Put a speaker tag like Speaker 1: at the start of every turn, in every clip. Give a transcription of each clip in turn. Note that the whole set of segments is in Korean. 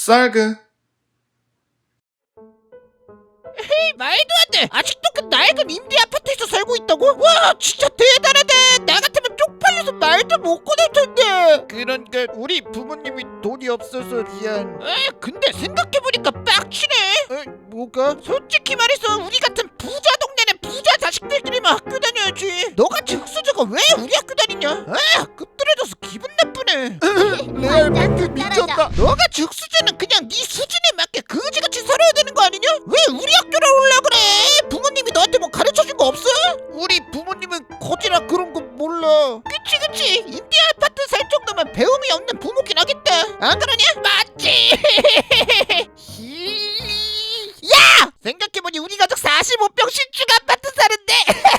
Speaker 1: 쌀그.
Speaker 2: 에이, 말도 안 돼. 아직도 그 낡은 임대 아파트에서 살고 있다고? 와, 진짜 대단하다. 나 같으면 쪽팔려서 말도 못 꺼낼 텐데. 그러니까 우리 부모님이 돈이 없어서 미안. 근데 생각해보니까 빡치네. 뭐가? 솔직히 말해서 우리 같은 부자 동네는 부자 자식들끼리만 학교 다녀야지. 너같이 흙수저가 왜 우리 학교 다니냐? 급들어져서 기분 나쁘네. 레알 멘트 미쳤다. 너같이 흙수저는 그냥 네 수준에 맞게 거지같이 살아야 되는 거 아니냐? 왜 우리 학교를 올라 그래? 부모님이 너한테 뭐 가르쳐준 거 없어? 우리 부모님은 거지라 그런 거 몰라. 그치 임대 아파트 살 정도면 배움이 없는 부모긴 하겠다. 안 그러냐? 맞지. 야! 생각해보니 우리 가족 45평 신축 아파트 사는데.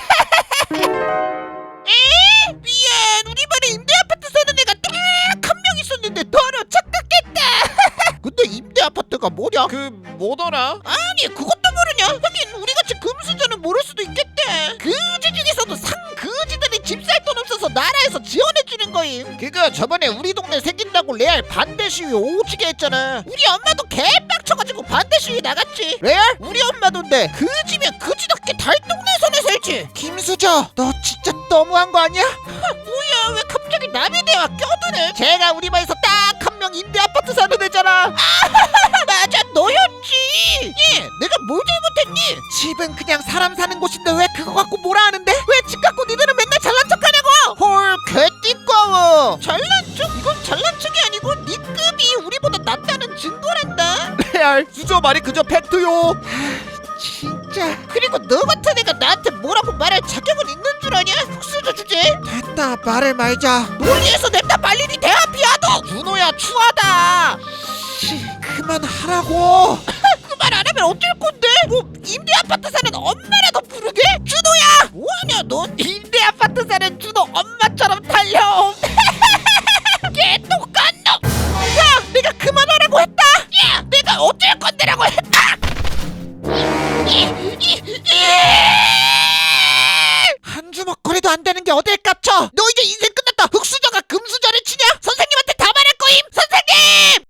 Speaker 2: 에? 미안, 우리 반에 임대 아파트 사는 애가 딱 한 명 있었는데 너로 착각했다. 근데 임대 아파트가 뭐냐? 그 뭐더라? 아니 그것도 모르냐? 하긴 우리같이 금수저는 모를 수도 있겠다. 그지 중에서도 상그지들이 집 살 돈 없어서 나라에서 지원해주는 거임. 그거 저번에 우리 동네 생긴다고 레알 반대 시위 오지게 했잖아. 우리 엄마도 개빡쳐가지고 반대 시위 나갔지. 레알? 우리 엄마도인데 그지면 그지답게 달동네선에 살지. 김수저, 너 진짜 너무한 거 아니야? 뭐야, 왜 갑자기 남의 대화 껴드네. 제가 우리 반에서 딱 한 명 임대 아파트 사는 애잖아. 맞아, 너였지. 내가 뭘 잘못했니? 집은 그냥 사람 사는 곳인데 왜 그거 갖고 뭐라 하는데? 왜 집 갖고 니들은 맨날 잘난 척하냐고? 헐, 개띠꺼워. 잘난 척? 이건 잘난 척이 아니고 니 급이 우리보다 낫다는 증거란다. 레알, 수저 말이 그저 팩트요. 진짜. 그리고 너 같은 애가 나한테 뭐라고 말할 자격은 있는 줄 아냐? 흑수저 주제. 됐다, 말을 말자. 논리에서 냅다 빨리 니 대화 비하도. 준호야, 추하다. 그만하라고. 그 말 안 하면 어쩔 건데? 뭐 임대 아파트 사는 엄마라도 부르게? 준호야, 뭐하냐 넌? 임대 아파트 사는 준호 엄마처럼 달려. 개똑같 놈. 야, 내가 그만하라고 했다. 야, 내가 어쩔 건데라고 했다. 한 주먹거리도 안 되는 게 어딜 깝쳐. 너 이제 인생 끝났다. 흑수저가 금수저를 치냐? 선생님한테 다 말할 거임. 선생님!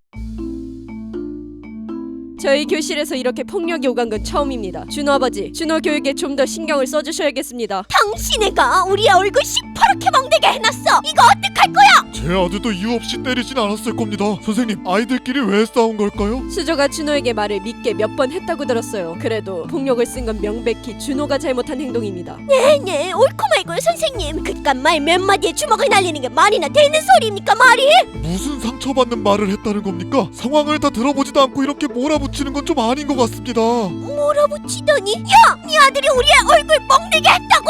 Speaker 3: 저희 교실에서 이렇게 폭력이 오간 건 처음입니다. 준호 아버지, 준호 교육에 좀 더 신경을 써주셔야겠습니다.
Speaker 4: 당신애가 우리 얼굴 시퍼렇게 멍들게 해놨어. 이거 어떡할 거야?
Speaker 5: 제 아들도 이유 없이 때리진 않았을 겁니다. 선생님, 아이들끼리 왜 싸운 걸까요?
Speaker 3: 수저가 준호에게 말을 믿게 몇 번 했다고 들었어요. 그래도 폭력을 쓴 건 명백히 준호가 잘못한 행동입니다.
Speaker 4: 네네, 옳고 말고요 선생님. 그깟 말 몇 마디에 주먹을 날리는 게 말이나 되는 소리입니까 말이?
Speaker 5: 무슨 상처받는 말을 했다는 겁니까? 상황을 다 들어보지도 않고 이렇게 몰아붙이는 건 좀 아닌 것 같습니다.
Speaker 4: 몰아붙이더니 야! 네 아들이 우리 얼굴 멍들게 했다고!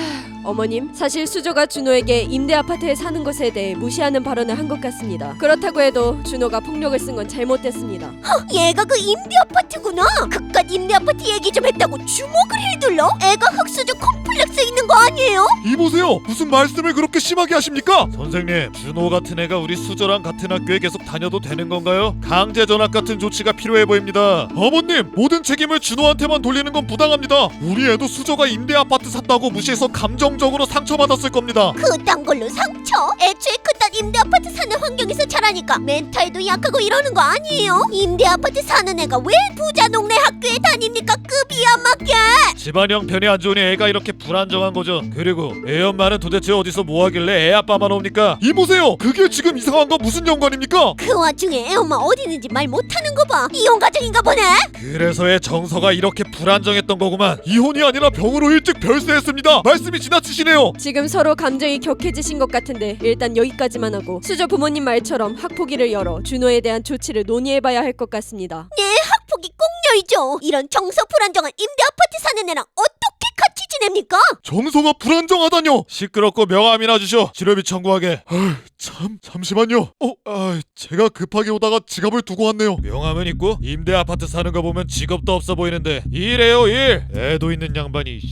Speaker 3: 어머님, 사실 수저가 준호에게 임대 아파트에 사는 것에 대해 무시하는 발언을 한 것 같습니다. 그렇다고 해도 준호가 폭력을 쓴 건 잘못됐습니다.
Speaker 4: 얘가 그 임대 아파트구나. 그깟 임대 아파트 얘기 좀 했다고 주먹을 휘둘러? 애가 흑수저 콤플렉스 있는 거 아니에요?
Speaker 5: 이보세요, 무슨 말씀을 그렇게 심하게 하십니까? 선생님, 준호 같은 애가 우리 수저랑 같은 학교에 계속 다녀도 되는 건가요? 강제 전학 같은 조치가 필요해 보입니다. 어머님, 모든 책임을 준호한테만 돌리는 건 부당합니다. 우리 애도 수저가 임대 아파트 샀다고 무시해서 감정적으로 상처받았을 겁니다.
Speaker 4: 그딴 걸로 상처? 애초에 그딴 임대 아파트 사는 환경에서 자라니까 멘탈도 약하고 이러는 거 아니에요? 임대 아파트 사는 애가 왜 부자 동네 학교에 다닙니까? 급이 안 맞게.
Speaker 5: 집안 형편이 안 좋으니 애가 이렇게 불안정한 거죠. 그리고 애 엄마는 도대체 어디서 뭐 하길래 애 아빠만 옵니까? 이보세요, 그게 지금 이상한 거 무슨 연관입니까?
Speaker 4: 그 와중에 애 엄마 어디 있는지 말 못하는 거 봐. 이혼 가정인가 보네.
Speaker 5: 그래서 애 정서가 이렇게 불안정했던 거구만. 이혼이 아니라 병으로 일찍 별세했습니다. 말씀이 지나치시네요.
Speaker 3: 지금 서로 감정이 격해지신 것 같은데 일단 여기까지만 하고 수저 부모님 말처럼 학폭위를 열어 준호에 대한 조치를 논의해봐야 할 것 같습니다.
Speaker 4: 네, 학폭이 꼭 열죠. 이런 정서 불안정한 임대 아파트 사는 애랑 어떻게 같이 지냅니까?
Speaker 5: 정서가 불안정하다뇨. 시끄럽고 명함이나 주셔. 치료비 청구하게. 잠시만요. 제가 급하게 오다가 지갑을 두고 왔네요. 명함은 있고 임대 아파트 사는 거 보면 직업도 없어 보이는데 일해요, 일. 애도 있는 양반이.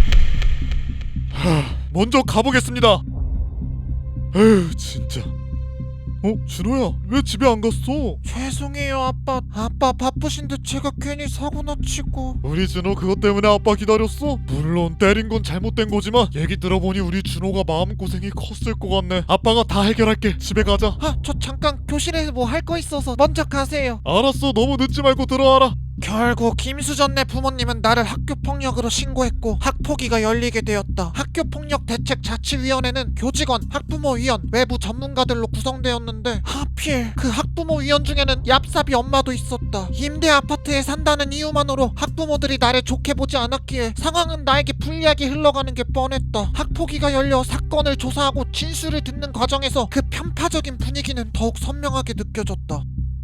Speaker 5: 먼저 가보겠습니다. 에휴, 진짜. 준호야, 왜 집에 안 갔어?
Speaker 2: 죄송해요 아빠. 아빠 바쁘신데 제가 괜히 사고나 치고.
Speaker 5: 우리 준호 그것 때문에 아빠 기다렸어? 물론 때린 건 잘못된 거지만 얘기 들어보니 우리 준호가 마음고생이 컸을 것 같네. 아빠가 다 해결할게. 집에 가자.
Speaker 2: 아, 저 잠깐 교실에 뭐 할 거 있어서 먼저 가세요.
Speaker 5: 알았어. 너무 늦지 말고 들어와라.
Speaker 2: 결국 김수전네 부모님은 나를 학교폭력으로 신고했고 학폭위가 열리게 되었다. 학교폭력대책자치위원회는 교직원, 학부모위원, 외부 전문가들로 구성되었는데 하필 그 학부모위원 중에는 얍삽이 엄마도 있었다. 임대 아파트에 산다는 이유만으로 학부모들이 나를 좋게 보지 않았기에 상황은 나에게 불리하게 흘러가는 게 뻔했다. 학폭위가 열려 사건을 조사하고 진술을 듣는 과정에서 그 편파적인 분위기는 더욱 선명하게 느껴졌다.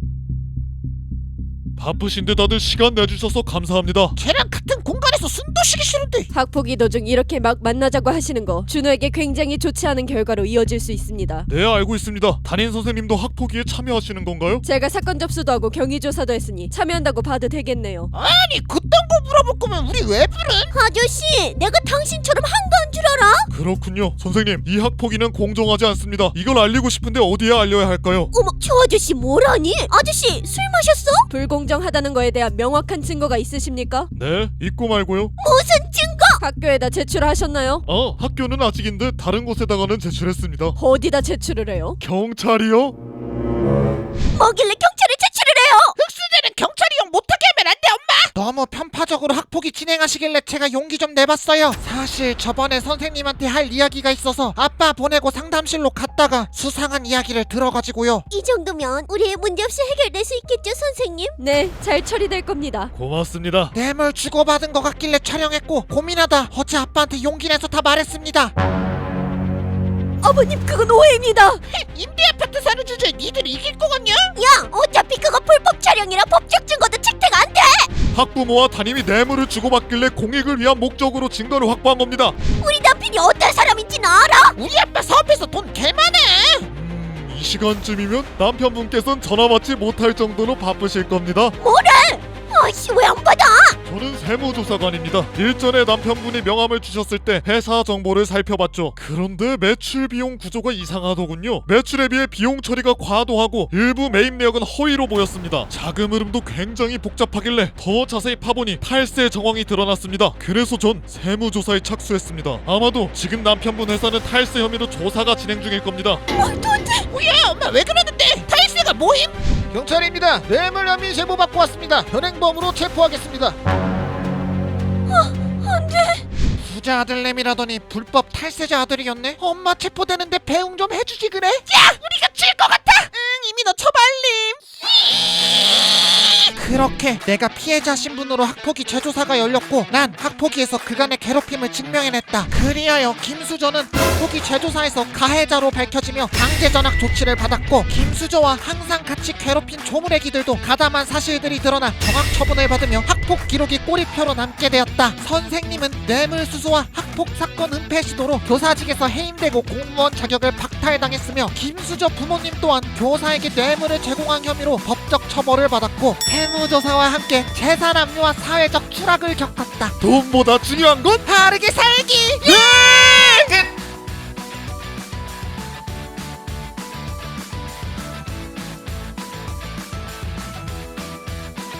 Speaker 5: 바쁘신데 다들 시간 내주셔서 감사합니다.
Speaker 2: 쟤랑 같은 공간에서 숨도 쉬기 싫은데.
Speaker 3: 학폭위 도중 이렇게 막 만나자고 하시는 거 준호에게 굉장히 좋지 않은 결과로 이어질 수 있습니다.
Speaker 5: 네, 알고 있습니다. 담임 선생님도 학폭위에 참여하시는 건가요?
Speaker 3: 제가 사건 접수도 하고 경위 조사도 했으니 참여한다고 봐도 되겠네요.
Speaker 2: 아니 그딴 거 물어볼 거면 우리 왜 부른?
Speaker 4: 아저씨, 내가 당신처럼 한가한 줄 알아?
Speaker 5: 그렇군요. 선생님, 이 학폭위는 공정하지 않습니다. 이걸 알리고 싶은데 어디에 알려야 할까요?
Speaker 4: 어머, 저 아저씨 뭐라니? 아저씨 술 마셨어?
Speaker 3: 불공정하다는 거에 대한 명확한 증거가 있으십니까?
Speaker 5: 네, 있고 말고요.
Speaker 4: 무슨 증거?
Speaker 3: 학교에다 제출하셨나요?
Speaker 5: 학교는 아직인데 다른 곳에다가는 제출했습니다.
Speaker 3: 어디다 제출을 해요?
Speaker 5: 경찰이요?
Speaker 4: 뭐길래 경찰에 제출을 해요?
Speaker 2: 흑수저는 경찰이 용 못하게 하면 안 돼 엄마. 너무 편파적으로 학폭위 진행하시길래 제가 용기 좀 내봤어요. 사실 저번에 선생님한테 할 이야기가 있어서 아빠 보내고 상담실로 갔다가 수상한 이야기를 들어가지고요.
Speaker 4: 이 정도면 우리의 문제없이 해결될 수 있겠죠, 선생님?
Speaker 3: 네, 잘 처리될 겁니다.
Speaker 5: 고맙습니다.
Speaker 2: 뇌물 주고받은 것 같길래 촬영했고 고민하다 어제 아빠한테 용기 내서 다 말했습니다.
Speaker 3: 아버님, 그건 오해입니다.
Speaker 2: 임대 아파트 사는 주제에 니들 이길 거 같냐?
Speaker 4: 야, 어차피 그거 불법 촬영이라 법적 증거도 채택 안 돼!
Speaker 5: 학부모와 담임이 뇌물을 주고받길래 공익을 위한 목적으로 증거를 확보한 겁니다.
Speaker 4: 우리 남편이 어떤 사람인지는 알아?
Speaker 2: 우리 아빠 사업해서 돈 개 많아.
Speaker 5: 이 시간쯤이면 남편분께선 전화 받지 못할 정도로 바쁘실 겁니다.
Speaker 4: 아이씨, 왜 안 받아?
Speaker 5: 저는 세무조사관입니다. 일전에 남편분이 명함을 주셨을 때 회사 정보를 살펴봤죠. 그런데 매출 비용 구조가 이상하더군요. 매출에 비해 비용 처리가 과도하고 일부 매입 내역은 허위로 보였습니다. 자금 흐름도 굉장히 복잡하길래 더 자세히 파보니 탈세 정황이 드러났습니다. 그래서 전 세무조사에 착수했습니다. 아마도 지금 남편분 회사는 탈세 혐의로 조사가 진행 중일 겁니다.
Speaker 2: 뭐야 엄마 왜 그러는데? 탈세가 뭐임? 경찰입니다. 뇌물 혐의 제보 받고 왔습니다. 현행범으로 체포하겠습니다.
Speaker 4: 안돼.
Speaker 2: 부자 아들내미라더니 불법 탈세자 아들이었네. 엄마 체포되는데 배웅 좀 해주지 그래? 야 우리가 질 것 같아. 응 이미 너 처발림. 그렇게 내가 피해자 신분으로 학폭위 재조사가 열렸고 난 학폭위에서 그간의 괴롭힘을 증명해냈다. 그리하여 김수저는 학폭위 재조사에서 가해자로 밝혀지며 강제 전학 조치를 받았고 김수저와 항상 같이 괴롭힌 조물애기들도 가담한 사실들이 드러나 정학 처분을 받으며 학폭 기록이 꼬리표로 남게 되었다. 선생님은 뇌물수수와 학폭 사건 은폐 시도로 교사직에서 해임되고 공무원 자격을 박탈당했으며 김수저 부모님 또한 교사에게 뇌물을 제공한 혐의로 법적 처벌을 받았고 세무조사와 함께 재산 압류와 사회적 추락을 겪었다.
Speaker 5: 돈보다 중요한 건
Speaker 2: 바르게 살기!